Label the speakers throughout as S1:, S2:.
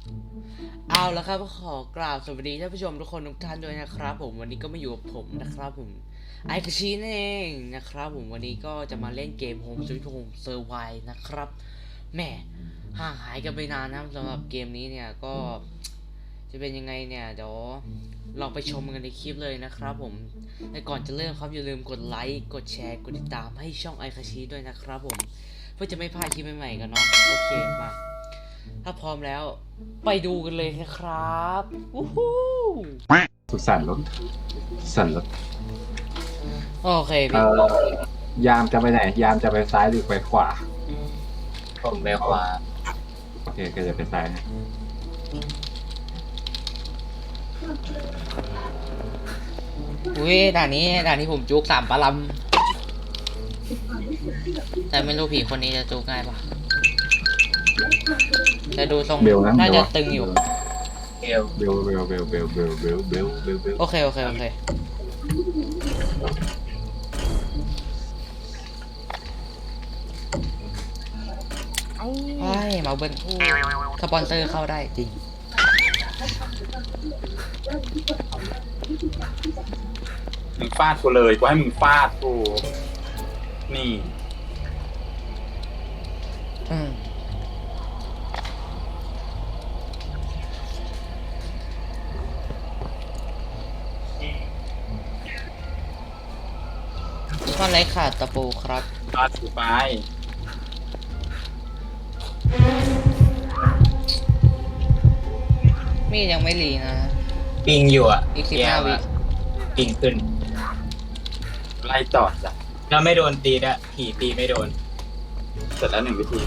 S1: เอาละครับขอกล่าวสวัสดีท่านผู้ชมทุกคนทุกท่านด้วยนะครับผมวันนี้ก็มาอยู่กับผมนะครับผมไอคาชินั่นเองนะครับผมวันนี้ก็จะมาเล่นเกม Home Sweet Home Survive นะครับแหมห่างหายกันไปนานนะสำหรับเกมนี้เนี่ยก็จะเป็นยังไงเนี่ยเดี๋ยวลองไปชมกันในคลิปเลยนะครับผมแต่ก่อนจะเริ่มครับอย่าลืมกดไลค์กดแชร์กดติดตามให้ช่องไอคาชิด้วยนะครับผมเพื่อจะไม่พลาดคลิปใหม่ๆกันเนาะโอเคมาถ้าพร้อมแล้วไปดูกันเลยนะครับวู้ฮู้
S2: สุสานรถสุสานรถ
S1: โอเคพี่
S2: ยามจะไปไหน ยามจะไปซ้ายหรือไปขวา
S3: ผมไปขวา
S2: โอเคก็จะไปซ้ายนะ
S1: อุ้ยด่านนี้ผมจุก3 ปะลำแต่ไม่รู้ผีคนนี้จะจุกง่ายปะแต่ดูทรง
S2: เบลนะ
S1: น่าจะตึงอยู่
S3: เอว
S2: เบลเบลเบลเบลเบลเบลเบลเบลเบล
S1: โอเคไอ้มาเบิ้ลสปอนเซอร์เข้าได้จริง
S4: มึงฟาดกูเลยกูให้มึงฟาดกูนี่
S1: อืมก็ไรขาดตะปูครับ
S4: ฟาดกูไป
S1: มีดยังไม่รีนะ
S3: ปิงอยู่อ่ะ
S1: อีก
S3: เกียร์
S1: 15 วิ
S3: อะปิงขึ้น
S4: ไล่จอดจ้ะ
S3: แล้วไม่โดนตีด้วยผีตีไม่โดน
S4: เสร็จแล้ว1 วิธี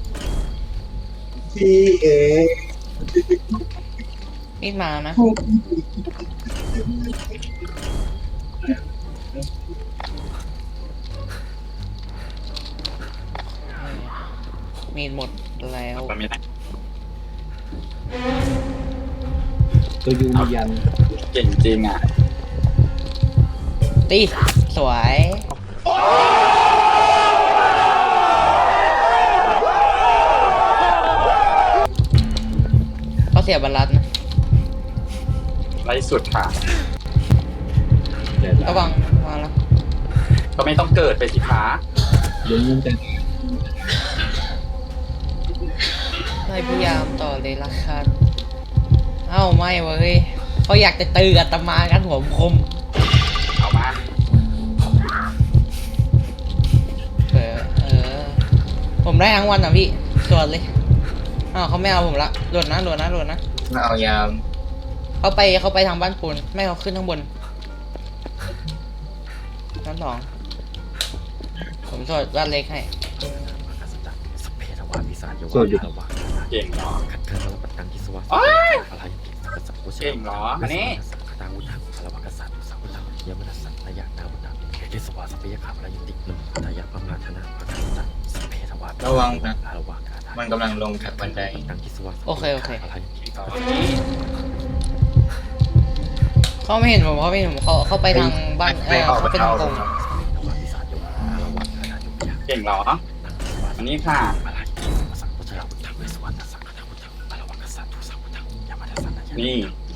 S1: มีดมานะมีดหมดแล้ว
S4: ตอนนี้นะ
S2: ตัวยูมียัน
S4: เก่งจริงอ่ะ
S1: ตีสวยเขาเสียบรรลัดนะ
S4: ไล่สุดค่ะ
S2: เดี๋ยว
S1: ระวังวางแล้ว
S4: ก็ไม่ต้องเกิดไปสิคะ
S2: เดี๋ยวมันจะ
S1: ไม่พยายามต่อเลยละกันเอ้าไม่เว้ยเขาอยากจะตืออาตมากันหัวคม
S4: เอามา
S1: ผมได้ทั้งวันอ่ะพี่สวดเลยอ้าวเขาไม่เอาผมละหล่นนะ
S3: มาเอายาม
S1: เขาไปทางบ้านปูนไม่เขาขึ้นข้างบนชั้น 2ผมสวดบ้านเล็กให้
S2: โซอยู่
S4: เก่งเหรอ
S5: โอ้ย
S4: เก่งเหรออันนี้
S3: ระวังนะมันกำลังลงจากบันได
S1: โอเคเขาไม่เห็นผมเขาไปทางบ้านเขาไปทางตรง
S4: เก่งเหรออันนี้ค่ะ นี่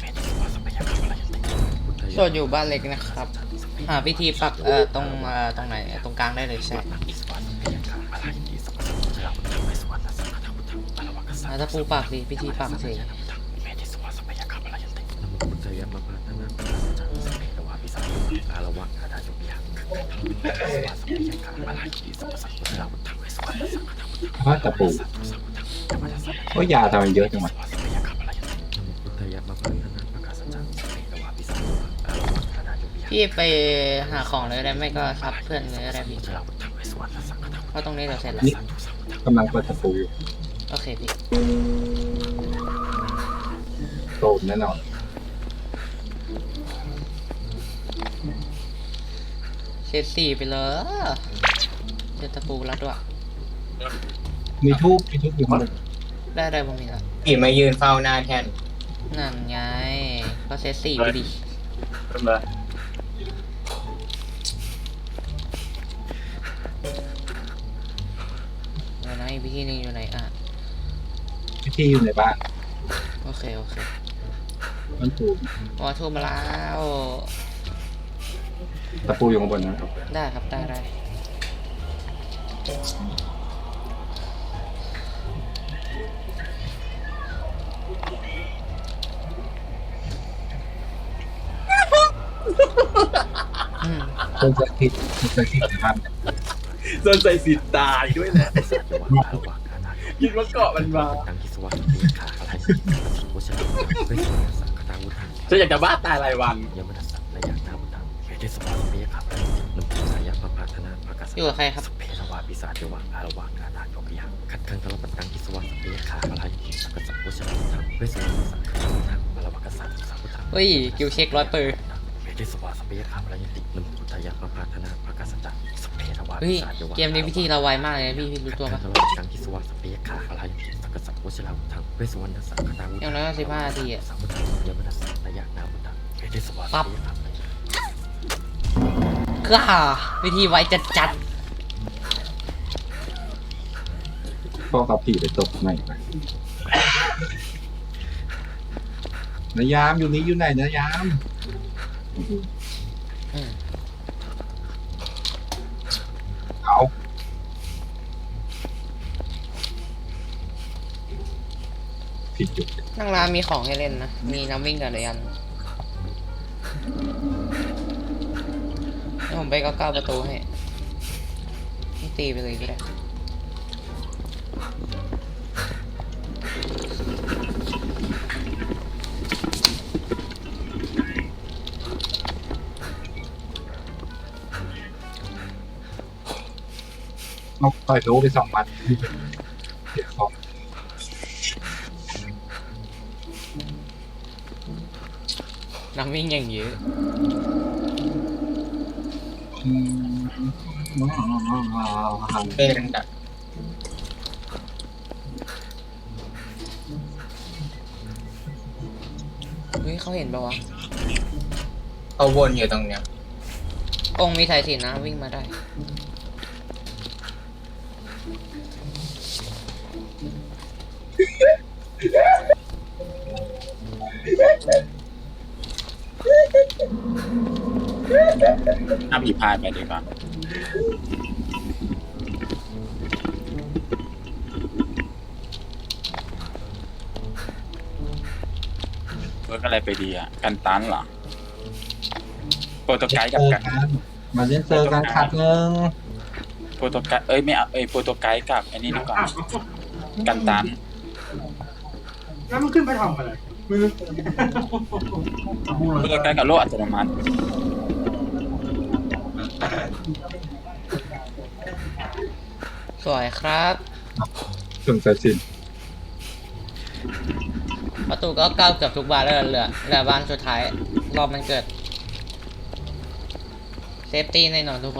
S1: สวดอยู่บ้านเล็กนะครับหาพิธีปักตรงไหนตรงกลางได้เลยใช่ถ้าปูปักดิพิธีปักสิ
S2: พระตะปูโอ้ยยาทำไมเยอะจังวะ
S1: พี่ไปหาของเลยได้ไม่ก็ซับเพื่อนเลยได้พี่เพราะตรงนี้เราเสร็จแล้ว
S2: นี่กำลังเปิดตะปูอยู่
S1: โอเคพี่
S2: โตมแน่นอน
S1: เสร็จ4ไปเลยเดี๋ยวตะปูแล้วด้วย
S2: มีทูบอยู่ข้างบน
S1: ได้ผมมีแล้ว
S3: ผีมายืนเฝ้าหน้าแทน
S1: นั่นไงก็เซต4ไปดิ
S4: เริ่มเลย
S1: เดี๋ยวนะอีกวิธีหนึงอยู่ไหนอ่ะ
S2: พิธีอยู่ในบ้าน
S1: เคโอเค
S2: มันปู
S1: อ๋อโทรมาแล้ว
S2: ตะปูอยู่ข้างบนนะ
S1: ได้ครับได้อืม
S2: ต้นจะคิดนะครับ
S4: โดนใจสิทธิ์ตายด้วยแหละ
S5: สัจวะอาวากานา
S4: คิดว่าเกาะมันมา
S5: ตังกิสวะเบียขาอะไรวชระเวสวรรณสังคตาวุฒัง
S4: ฉันอยากจะบ้าตายรายวัน
S5: ยมนัสสะและยานาวุฒังเวทิสวะเบียขานุปสายะปะปาธนาภกสั
S1: อยู่กับใครครับ
S5: สเพทวาปิศาจวะอารวากานาโกปิยังขัดขังตลปัตตังกิสวะเบียขาอะไรสังกสัพวชระวุฒังเวสวรรณสังคตาวุฒังอารวากสัพสัพวุฒัง
S1: เฮ้ยกิวเช็ค100%
S5: เวทิสวะสเบียขาอะไรยตินุปสายะปะปาธนาภกสัจสเพทวา
S1: เฮ้
S5: ปิ
S1: ย
S5: ศาจวะ
S1: เกมนี้วิธีเราไวมากเลยนะพี่รู้ตัวปะ
S5: ตังกิสวะสเปียขาอะไรสังกสัพวชราวุธังเวสวรรณสังคตาวุ
S1: อย่างน้อยก็15 นาทีอะ
S5: สัมพุทธังยมนัสสะระยะนาวุธังเวทิสวะ
S1: ปั๊บ
S5: สเปียขา
S1: ก็วิธีไวจัด
S2: พ่อกับผีไปตกไหนไปนายามอยู่นี้อยู่ไหนนายาม
S1: ๆอืม
S2: เอาผิดจุด
S1: นั่งร้านมีของให้เล่นนะ มีน้ำวิ่งกับเรียนเดี๋ยวผมไปก้าวประตูให้นี่ตีไปเลยก็ได้
S2: เอาต่อยโดไป2 วันเดี๋ยวของ
S1: น้ำวิ่งอย่างเยอะ
S3: เป็นดัก
S1: เฮ้ยเขาเห็นปะวะ
S3: เขาวนอยู่ตรงเนี้ย
S1: กงมีสายสิญจนนะวิ่งมาได้
S4: ถ้าผีพายไปดีกว่าเวิร์กอะไรไปดีอ่ะ กันตันเหรอ โปรโตไกด์กับกัน
S2: มาเล่นเซอร์กันขัดหนึ่ง
S4: โปรโตไกด์ไม่เอาโปรโตไกด์กับไอ้นี่ดีกว่า กันตัน
S6: แล้วมันขึ้นไปทำอะไร
S4: โปรโตไกด์กับโลกอัตโนมัติ
S1: สวยครับ
S2: ถึงสายสิน
S1: ประตูก็ก้าวเกือบทุกบานแล้วเหลือบานสุดท้าย รอบมันเกิด เซฟตี้แน่นอนทุกคน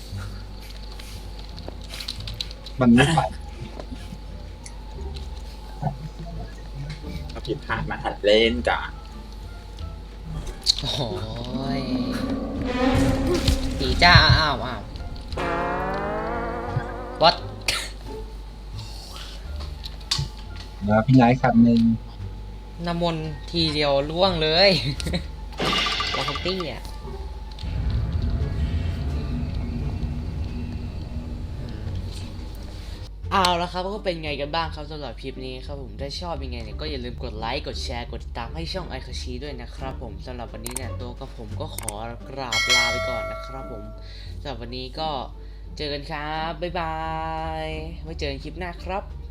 S2: มันไม่ไป
S4: ถ้าผิดพลาดมาหัดเล่นจ้ะ
S1: โอ้ยผีจ้าอ้าววัด
S2: แล้วพี่นายขัดหนึ่ง
S1: น้ำมนต์ทีเดียวล่วงเลยลาคุตี้อ่ะเอาละครับก็เป็นไงกันบ้างครับสำหรับคลิปนี้ครับผมถ้าชอบยังไงเนี่ยก็อย่าลืมกดไลค์กดแชร์กดติดตามให้ช่องไอคาชิด้วยนะครับผมสำหรับวันนี้เนี่ยตัวกับผมก็ขอกราบลาไปก่อนนะครับผมสำหรับวันนี้ก็เจอกันครับบ๊ายบายไว้เจอกันคลิปหน้าครับ